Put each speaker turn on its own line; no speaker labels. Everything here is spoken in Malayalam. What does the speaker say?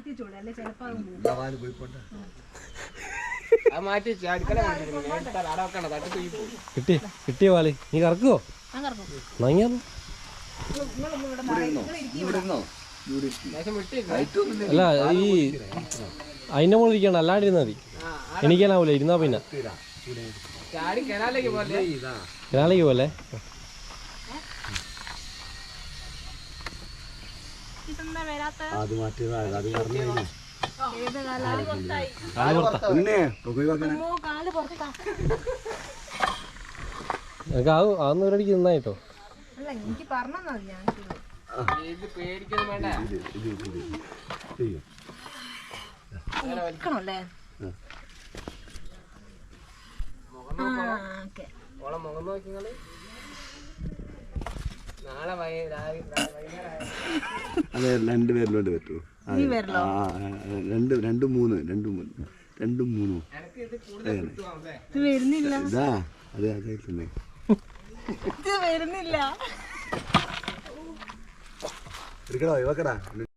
കിട്ടിയ പാല് നീ കറക്കുവോ? അല്ല ഈ അതിന്റെ മുകളിൽ ഇരിക്കണം, അല്ലാണ്ട് ഇരുന്നാ മതി. എണീക്കാനാവൂല ഇരുന്നാ പിന്നെ. കനാലേക്ക് പോലെ എനിക്ക് അതൊന്നും ഒരടിക്ക് നിന്നായിട്ടോ.
അതെ, രണ്ടുപേരിലോട്ട് പറ്റുമോ? രണ്ടും മൂന്നും ഇതാ അതെ അതെ തന്നെ എടുക്കടോ ഇവക്കടാ.